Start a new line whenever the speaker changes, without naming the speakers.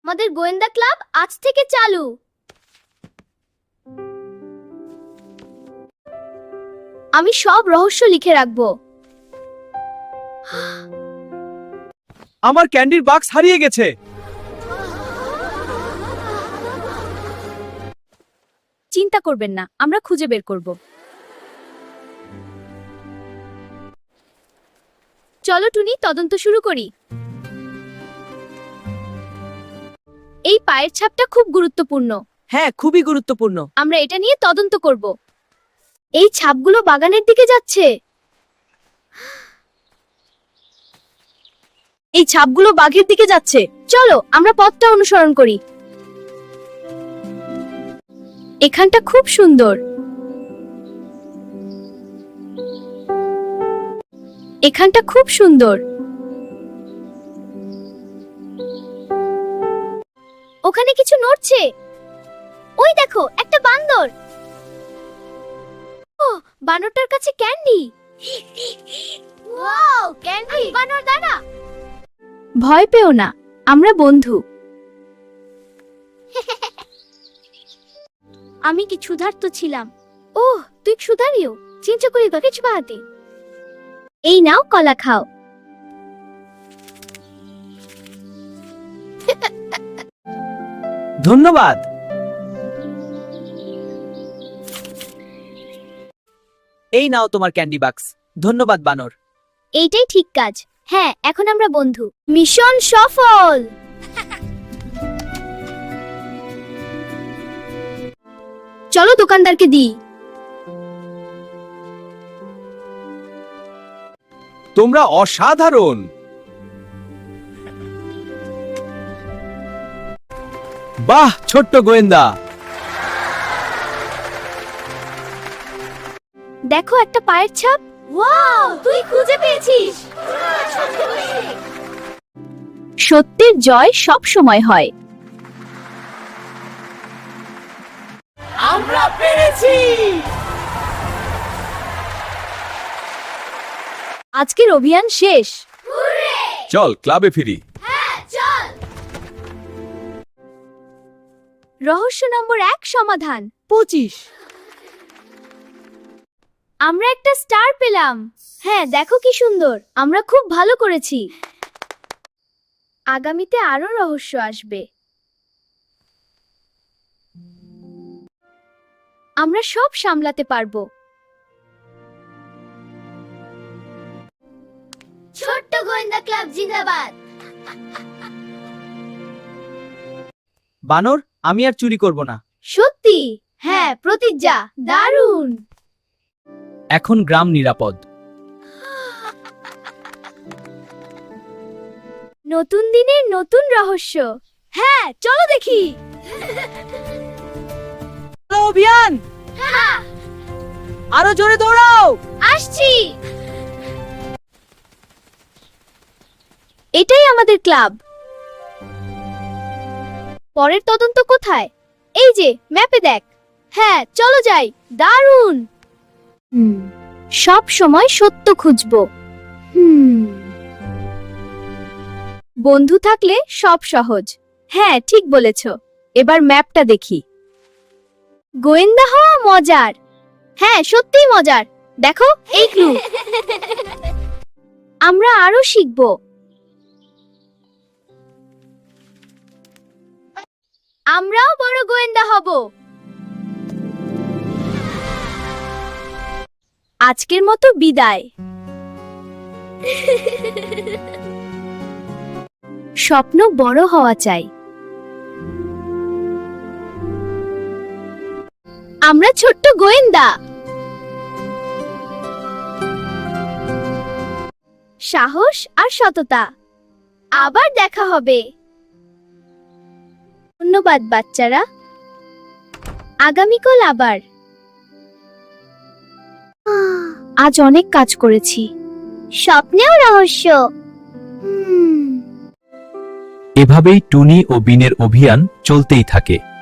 আমাদের গোয়েন্দা ক্লাব আজ থেকে চালু। আমি সব রহস্য লিখে রাখবো।
আমার ক্যান্ডির বাক্স হারিয়ে গেছে।
চিন্তা করবেন না, আমরা খুঁজে বের করব। চলো টুনি, তদন্ত শুরু করি। এই পায়ের ছাপটা খুব গুরুত্বপূর্ণ।
হ্যাঁ, খুবই গুরুত্বপূর্ণ।
আমরা এটা নিয়ে তদন্ত করব। এই ছাপগুলো বাগানের দিকে যাচ্ছে।
এই ছাপগুলো বাঘের দিকে যাচ্ছে।
চলো আমরা পথটা অনুসরণ করি। এখানটা খুব সুন্দর। এখানটা খুব সুন্দর। ওখানে কিছু নড়ছে। ওই দেখো, একটা বান্দর। ও, বানরটার কাছে ক্যান্ডি। Wow, candy. বানর দাঁড়া। ভয় পেও না, আমরা বন্ধু। আমি কি ক্ষুধার্ত ছিলাম? ওহ, তুই ক্ষুধারিও। চিন্তা করি তো কিছু বাহাতে। এই নাও, কলা খাও।
ধন্যবাদ।
এই নাও তোমার ক্যান্ডি বাক্স। ধন্যবাদ বানর।
এইটাই ঠিক কাজ। হ্যাঁ, এখন আমরা বন্ধু। মিশন সফল। চলো দোকানদারকে দিই।
তোমরা অসাধারণ। বাহ, ছোট্ট গোয়েন্দা।
দেখো, একটা পায়ের ছাপ। ওয়াও, তুই খুঁজে পেয়েছিস। সত্যের জয় সব সময় হয়।
আমরা পেরেছি।
আজকের অভিযান শেষ।
চল ক্লাবে ফিরি।
রহস্য নম্বর 1 সমাধান।
25।
আমরা একটা স্টার পেলাম। হ্যাঁ, দেখো কি সুন্দর। আমরা খুব ভালো করেছি। আগামীতে আরো রহস্য আসবে। আমরা সব সামলাতে পারবো। ছোট্ট গোয়েন্দা ক্লাব জিন্দাবাদ।
বানর, আমি আর চুরি করব না।
সত্যি? হ্যাঁ, প্রতিজ্ঞা। দারুণ।
এখন গ্রাম নিরাপদ।
নতুন দিনের নতুন রহস্য। হ্যাঁ, চলো দেখি।
অভিযান, আরো জোরে দৌড়াও।
আসছি। এটাই আমাদের ক্লাব। পরের তদন্ত কোথায়? এই যে ম্যাপে দেখ। হ্যাঁ, চলো যাই। দারুণ। সব সময় সত্য খুঁজবো। বন্ধু থাকলে সব সহজ। হ্যাঁ, ঠিক বলেছ। এবার ম্যাপটা দেখি। গোয়েন্দা হওয়া মজার। হ্যাঁ, সত্যিই মজার। দেখো, এই ক্লু। আমরা আরো শিখব। আমরাও বড় গোয়েন্দা হব। আজকের মতো বিদায়। স্বপ্ন বড় হওয়া চাই। আমরা ছোট্ট গোয়েন্দা। সাহস আর সততা। আবার দেখা হবে। ধন্যবাদ বাচ্চারা। আগামীকাল আবার। আজ অনেক কাজ করেছি। স্বপ্নেও রহস্য।
এভাবেই টুনি ও বিনের অভিযান চলতেই থাকে।